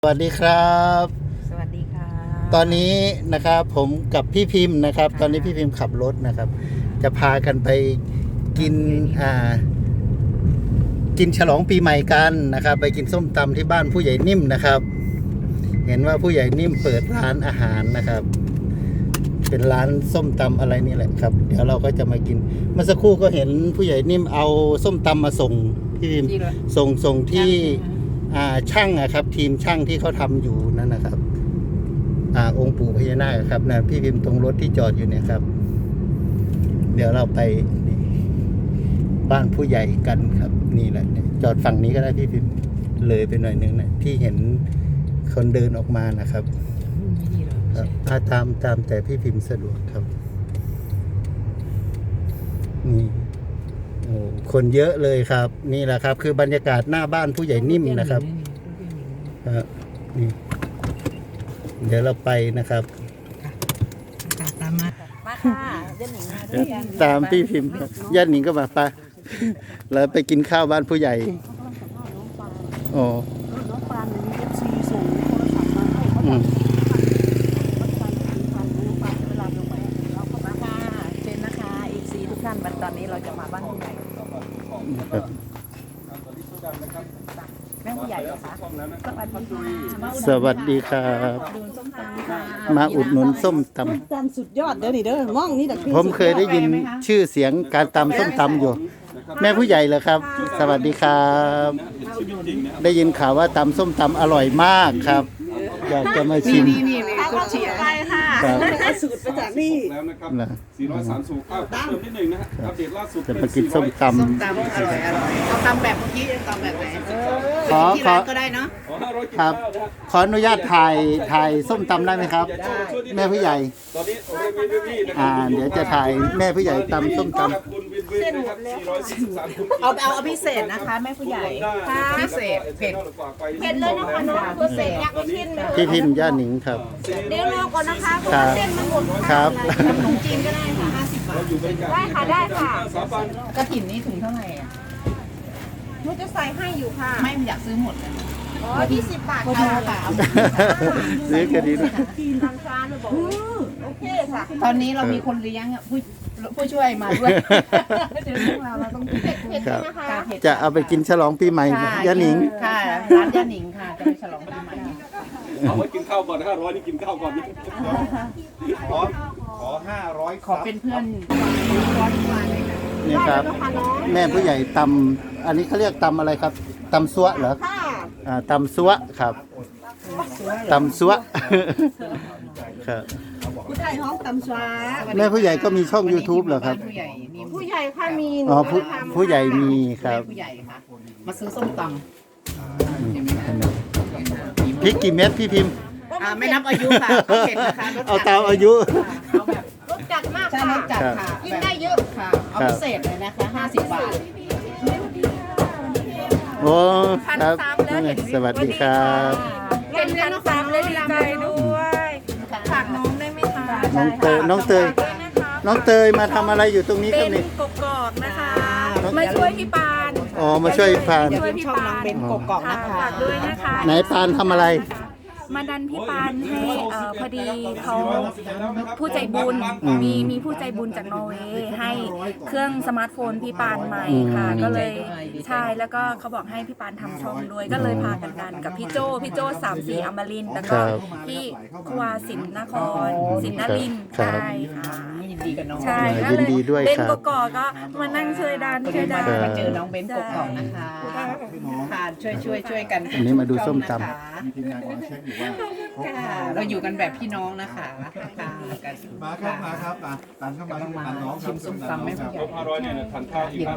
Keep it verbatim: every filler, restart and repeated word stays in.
สวัสดีครับสวัสดีค่ะตอนนี้นะครับผมกับพี่พิมพ์นะครับ ตอนนี้พี่พิมพ์ขับรถนะครับ จะพากันไปกินอ่ากินฉลองปีใหม่กันนะครับ ไปกินส้มตำที่บ้านผู้ใหญ่นิ่มนะครับ เห็นว่าผู้ใหญ่นิ่มเปิดร้านอาหารนะครับ เป็นร้านส้มตำอะไรนี่แหละครับ เดี๋ยวเราก็จะมากินเมื่อสักครู่ก็เห็นผู้ใหญ่นิ่มเอาส้มตำมาส่งพี่พิมพ์ส่งส่งที่อ่าช่างอะครับ ทีมช่างที่เขาทำอยู่นั่นนะครับ อ่าองค์ปู่พญานาคครับนะพี่พิมพ์ตรงรถที่จอดอยู่เนี่ยครับ เดี๋ยวเราไปบ้านผู้ใหญ่กันครับ นี่แหละจอดฝั่งนี้ก็ได้พี่พิมพ์เลยไปหน่อยนึงนะที่เห็นคนเดินออกมานะครับครับถ้าตามตามแต่พี่พิมพ์สะดวกครับนี่โอ้คนเยอะเลยครับ นี่แหละครับ คือบรรยากาศหน้าบ้านผู้ใหญ่นิ่มนะครับครับนี่เดี๋ยวเราไปนะครับตามมามาค่ะย่าหนิงมาด้วยกันตามพี่พิมพ์ญาติหนิงก็มาไปแล้วไปกินข้าวบ้านผู้ใหญ่โอ้น้องปานมีเอฟซีส่งโทรศัพท์มาให้เขาอืบอกมพันน้องปานเวลาลงไปเราก็มาค่ะเชิญนะคะเอซีทุกท่านวันตอนนี้เราจะมาบ้านผู้ใหญ่ครับแม่ผู้ใหญ่เหรอคะสวัสดีค่ะสวัสดีครับดูส้มตำค่ะมาอุดหนุนส้มตจานสุดยอดเด้อนี่เด้อมองนี่แหละคือำผมเคยได้ยินชื่อเสียงการตำส้มตำอยู่ แม่ผู้ใหญ่เหรอครับ สวัสดีครับ ได้ยินข่าวว่าตำส้มตำอร่อยมากครับอยากจะมาชิมกดเชียร์ไปค่ะครับเอาสูตรมาจากนี่แล้วนะครับนะสี่ร้อยสามสิบเก้าเติมนิดหนึ่งนะฮะอัปเดตล่าสุดจะมากินส้มตส้มตำอร่อยอร่อยเอาตำแบบเมื่อกี้ตำแบบไหนำขอที่ขอร้านก็ได้เนาะขอห้าร้อยกิครับข้าวนะฮะขออนุญาตถ่ายถ่ายส้มตำได้ไหมครับ แม่ผู้ใหญ่ตอนนี้โอเรมีพี่นะคอ่ารับเดี๋ยวจะถ่ายแม่ผู้ใหญ่ตำส้มตำคุณวินวินนะครับสี่ร้อยสี่สิบสามคุณเอาเอาเอาพิเศษนะคะแม่ผู้ใหญ่พิเศษเผ็ดเผ็ดเลยนะคะน้องพิเศษอยากไปกินพี่พิมพ์ย่าหนิงครับเดี๋ยวรอก่อนนะคะเพราะครัว่าบเส้นมันหมดครับขนมจีนก็ได้ค่ะห้าสิบบาทได้ค่ะได้ค่ะสามพันกระถิ่นนี่ถึงเท่าไหร่อ่ะหนูจะใส่ให้อยู่ค่ะไม่อยากซื้อหมดเลยอ๋อยี่สิบบาทโทษค่ะค่ะซื้อกันดีด้วยทางร้านเลยบอกโอเคค่ะตอนนี้เรามีคนเลี้ยงอ่ะผู้ผู้ช่วยมาด้วยเดี๋ยวพวกเราเราต้องเผ็ดเผ็ดครับนะคะจะเอาไปกินฉลองปีใหม่ย่าหนิงค่ะร้านย่าหนิงค่ะจะไปฉลองปีใหม่เอาไว้กินข้าวก่อนห้าร้อยนี่กินข้าวก่อนนี่ขอขอห้าร้อยขอเป็นเพื่อนร้อนมาเลยค่ะนี่ครับ แม่ผู้ใหญ่ตำอันนี้เขาเรียกตำอะไรครับตำซัวเหรอค่ะอ่าตำซัวครับตำซัวครับผู้ใหญ่ห้องตำชวาแม่ผู้ใหญ่ก็มีช่อง YouTube เหรอครับผู้ใหญ่มีผู้ใหญ่ค่ะมีอ๋อผู้ผู้ใหญ่มีคแม่รับผู้ใหญ่ค่ะ มาซื้อส้มตพริกกี่เม็ดพี่พิมพ์ำอ่าไม่นับอายุค่ะเอาเผ็ดนะคะรสจัดเอาตามอายุเอาแบบรสจัดมากใช่รค่ะสจัดค่ะกินได้เยอะค่ะ เอาพิเศษเลยนะคะห้าสิบบาทโอ้ครับสวัสดีครับเป็นพันสามเลยดีใจด้วยฝากน้องได้ไหมคะน้องเตยน้องเตยน้องเตยมาทำอะไรอยู่ตรงนี้ครับนี่กกอกนะคะมาช่วยพี่ปานอ๋อมาช่วยพานอย่าลืมช่องน้องเบนกกอกนะคะฝากด้วยนะคะไหนพานทำอะไรมาดันพี่ปานให้เอ่อพอดีเขาผู้ใจบุญอืมมีมีผู้ใจบุญจากนอร์เวย์ให้เครื่องสมาร์ทโฟนพี่ปานใหม่ค่ะอืมก็เลยใช่แล้วก็เขาบอกให้พี่ปานทำช่องด้วยก็เลยพากันกันกับพี่โจพี่โจสามสี่อมรินทร์แล้วก็พี่ควาสินนครสินนรินทร์ครับใช่ค่ะยินดีกับน้องใช่ยิก็นเลยดีด้วยเป็นครับกกอกก็มานั่งช่วยดันช่วยดันครับมาเจอน้องเบนกกอกนะคะค่ะช่วยช่วยช่วยกันอันนี้มาดูส้มตำนะคะค่ะเราอยู่กันแบบพี่น้องนะคะค่ะกันมาครับมาครับมาตามเข้ามาที่ร้านน้องครัชิบมส้มตำไม่ผู้ใหญ่ห้าร้อยเนี่ยทานข้าวอีกห้า